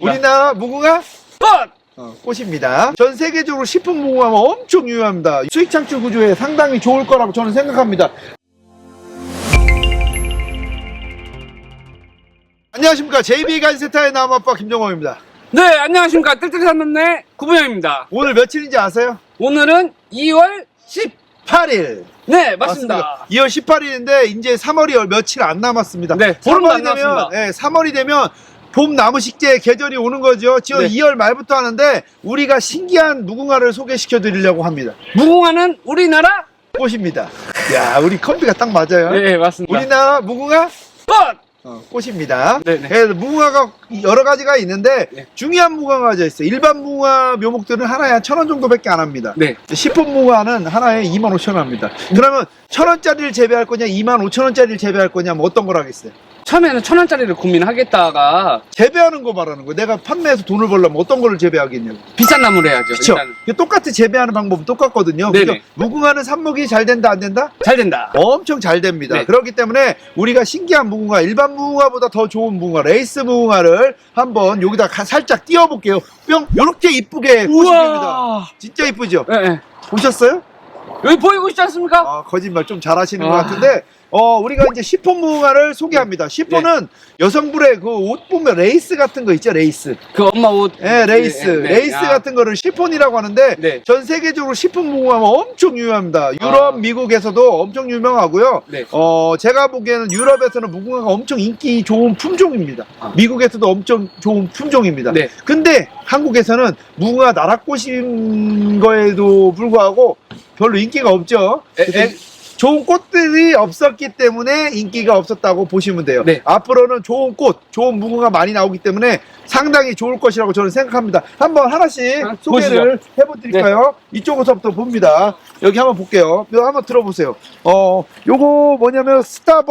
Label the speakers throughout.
Speaker 1: 우리나라 무궁화 꽃입니다. 전 세계적으로 식품 무궁화가 엄청 유효합니다. 수익 창출 구조에 상당히 좋을 거라고 저는 생각합니다. 안녕하십니까. JB가이센터의 나무아빠 김정호입니다.
Speaker 2: 네, 안녕하십니까. 뜰뜰이 산남네 구부영입니다.
Speaker 1: 오늘 며칠인지 아세요?
Speaker 2: 오늘은 2월
Speaker 1: 8일.
Speaker 2: 네, 맞습니다.
Speaker 1: 2월 18일인데 이제 3월이 며칠 안 남았습니다.
Speaker 2: 네, 보름도 안 남았습니다.
Speaker 1: 네, 3월이 되면 봄 나무 식재 계절이 오는 거죠. 지금
Speaker 2: 네.
Speaker 1: 2월 말부터 하는데 우리가 신기한 무궁화를 소개시켜 드리려고 합니다.
Speaker 2: 무궁화는 우리나라
Speaker 1: 꽃입니다. 야, 우리 컴비가 딱 맞아요.
Speaker 2: 네, 맞습니다.
Speaker 1: 우리나라 무궁화
Speaker 2: 꽃!
Speaker 1: 꽃입니다.
Speaker 2: 네네.
Speaker 1: 그래서 무궁화가 여러 가지가 있는데
Speaker 2: 네.
Speaker 1: 중요한 무궁화가 있어요. 일반 무궁화 묘목들은 하나에 한 1,000원 정도밖에 안 합니다.
Speaker 2: 네.
Speaker 1: 식품 무궁화는 하나에 25,000원 합니다. 그러면 1,000원짜리를 재배할 거냐 25,000원짜리를 재배할 거냐 뭐 어떤 걸 하겠어요?
Speaker 2: 처음에는 1,000원짜리를 고민하겠다가
Speaker 1: 재배하는 거 말하는 거. 내가 판매해서 돈을 벌려면 어떤 거를 재배하겠냐고.
Speaker 2: 비싼 나무를 해야죠.
Speaker 1: 그쵸?
Speaker 2: 일단은.
Speaker 1: 똑같이 재배하는 방법은 똑같거든요.
Speaker 2: 네네.
Speaker 1: 그죠? 무궁화는 삽목이 잘 된다 안 된다?
Speaker 2: 잘 된다.
Speaker 1: 엄청 잘 됩니다.
Speaker 2: 네.
Speaker 1: 그렇기 때문에 우리가 신기한 무궁화, 일반 무궁화보다 더 좋은 무궁화, 레이스 무궁화를 한번 여기다 살짝 띄워볼게요. 뿅! 요렇게 이쁘게 꽃입니다. 진짜 이쁘죠?
Speaker 2: 네, 네.
Speaker 1: 보셨어요?
Speaker 2: 여기 보이고 있지 않습니까?
Speaker 1: 아, 거짓말 좀 잘하시는 것 같은데, 우리가 이제 시폰 무궁화를 소개합니다. 시폰은 여성분의 그 옷 보면 레이스 같은 거 있죠, 레이스.
Speaker 2: 그 엄마 옷.
Speaker 1: 네, 레이스. 레이스 같은 거를 시폰이라고 하는데,
Speaker 2: 네.
Speaker 1: 전 세계적으로 시폰 무궁화가 엄청 유효합니다. 유럽, 미국에서도 엄청 유명하고요.
Speaker 2: 네.
Speaker 1: 제가 보기에는 유럽에서는 무궁화가 엄청 인기 좋은 품종입니다. 미국에서도 엄청 좋은 품종입니다.
Speaker 2: 네.
Speaker 1: 근데 한국에서는 무궁화 나락꽃인 거에도 불구하고 별로 인기가 없죠. 좋은 꽃들이 없었기 때문에 인기가 없었다고 보시면 돼요.
Speaker 2: 네.
Speaker 1: 앞으로는 좋은 꽃, 좋은 무궁화 많이 나오기 때문에 상당히 좋을 것이라고 저는 생각합니다. 한번 하나씩 소개를 해보드릴까요? 네. 이쪽에서부터 봅니다. 여기 한번 볼게요. 이거 한번 들어보세요. 요거 뭐냐면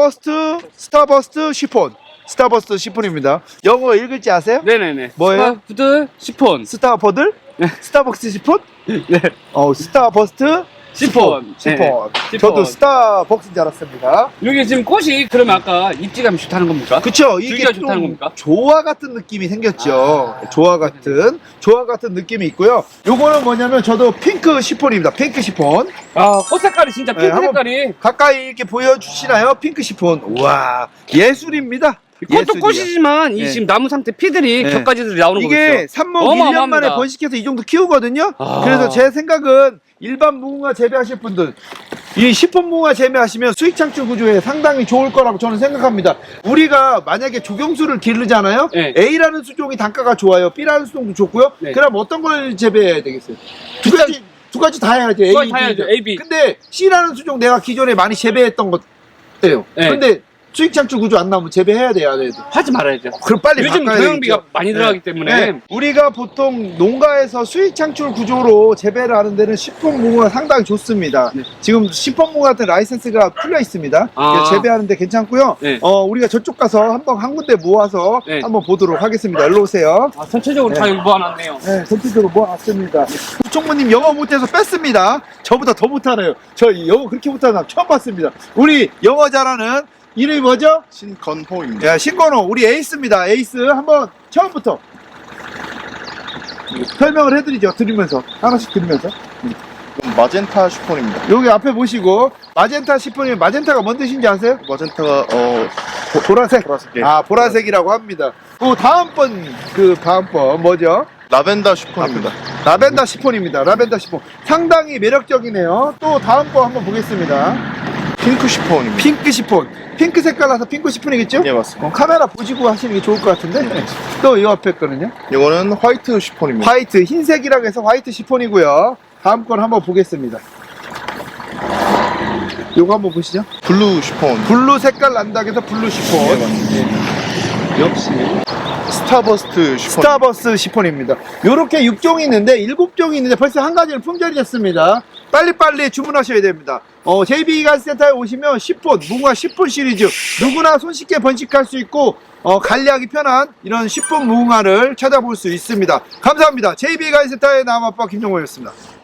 Speaker 1: 스타버스트 시폰. 스타버스트 시폰입니다. 영어 읽을지 아세요?
Speaker 2: 네네네.
Speaker 1: 뭐예요?
Speaker 2: 스타버스트 시폰.
Speaker 1: 스타버들?
Speaker 2: 네.
Speaker 1: 스타벅스 시폰?
Speaker 2: 네.
Speaker 1: 스타버스트 시폰.
Speaker 2: 시폰.
Speaker 1: 저도 스타벅스인 줄 알았습니다.
Speaker 2: 여기 지금 꽃이 그러면 아까 입지감이 좋다는 겁니까?
Speaker 1: 그쵸. 이게
Speaker 2: 줄기가
Speaker 1: 좀
Speaker 2: 좋다는 겁니까?
Speaker 1: 조화 같은 느낌이 생겼죠. 조화 같은 느낌이 있고요. 요거는 뭐냐면 저도 핑크 시폰입니다. 핑크 시폰.
Speaker 2: 꽃 색깔이 진짜 핑크 색깔이.
Speaker 1: 가까이 이렇게 보여주시나요? 핑크 시폰. 우와, 예술입니다.
Speaker 2: 꽃도
Speaker 1: 예술이야.
Speaker 2: 꽃이지만 이 지금 나무 상태 피들이 겹가지들이 나오는 거죠.
Speaker 1: 이게 삽목 1년 만에 번식해서 이 정도 키우거든요. 그래서 제 생각은 일반 무궁화 재배하실 분들 이 시폰 무궁화 재배하시면 수익 창출 구조에 상당히 좋을 거라고 저는 생각합니다. 우리가 만약에 조경수를 기르잖아요.
Speaker 2: 네.
Speaker 1: A라는 수종이 단가가 좋아요. B라는 수종도 좋고요.
Speaker 2: 네.
Speaker 1: 그럼 어떤 걸 재배해야 되겠어요? 두 가지 다 해야죠. A, B.
Speaker 2: A, B.
Speaker 1: 근데 C라는 수종 내가 기존에 많이 재배했던 것예요.
Speaker 2: 네.
Speaker 1: 근데 수익 창출 구조 안 나오면 재배해야 돼요, 안 해도?
Speaker 2: 하지 말아야죠.
Speaker 1: 그럼 빨리
Speaker 2: 요즘
Speaker 1: 바꿔야
Speaker 2: 경영비가
Speaker 1: 되겠죠.
Speaker 2: 많이 들어가기 때문에
Speaker 1: 우리가 보통 농가에서 수익 창출 구조로 재배를 하는 데는 시폰 무궁화 상당히 좋습니다. 지금 시폰 무궁화 같은 라이센스가 풀려 있습니다. 그래서 재배하는데 괜찮고요. 우리가 저쪽 가서 한 군데 모아서 한번 보도록 하겠습니다. 일로 오세요.
Speaker 2: 전체적으로 다 여기 모아놨네요.
Speaker 1: 네, 전체적으로 모아놨습니다. 총무님 영어 못해서 뺐습니다. 저보다 더 못하네요. 저 영어 그렇게 못하는 사람 처음 봤습니다. 우리 영어 잘하는 이름이 뭐죠?
Speaker 3: 신건호입니다.
Speaker 1: 야, 신건호. 우리 에이스입니다. 에이스. 한번 처음부터 설명을 해드리죠. 들으면서. 하나씩 들으면서.
Speaker 3: 마젠타 시폰입니다.
Speaker 1: 여기 앞에 보시고, 마젠타 시폰이면 마젠타가 뭔 뜻인지 아세요?
Speaker 3: 마젠타가
Speaker 1: 보라색.
Speaker 3: 예.
Speaker 1: 보라색이라고 합니다. 다음번 뭐죠?
Speaker 3: 라벤더 시폰입니다.
Speaker 1: 라벤더 시폰입니다. 라벤더 시폰. 상당히 매력적이네요. 또 다음 거 한번 보겠습니다.
Speaker 3: 핑크 시폰입니다.
Speaker 1: 핑크 시폰. 핑크 색깔라서 핑크 시폰이겠죠?
Speaker 3: 예, 맞습니다.
Speaker 1: 카메라 보시고 하시는 게 좋을 것 같은데. 또 이 앞에 거는요?
Speaker 3: 이거는 화이트 시폰입니다.
Speaker 1: 화이트, 흰색이라고 해서 화이트 시폰이고요. 다음 건 한번 보겠습니다. 요거 한번 보시죠.
Speaker 3: 블루 시폰.
Speaker 1: 블루 색깔 난다고 해서 블루 시폰.
Speaker 3: 예, 맞습니다.
Speaker 1: 역시
Speaker 3: 스타버스트 시폰.
Speaker 1: 스타버스 시폰입니다. 요렇게 6종이 있는데 7종이 있는데 벌써 한 가지는 품절이 됐습니다. 빨리빨리 주문하셔야 됩니다. JB가이센터에 오시면 시폰, 무궁화 시폰 시리즈 누구나 손쉽게 번식할 수 있고 관리하기 편한 이런 시폰 무궁화를 찾아볼 수 있습니다. 감사합니다. JB가이센터의 나무아빠 김정호였습니다.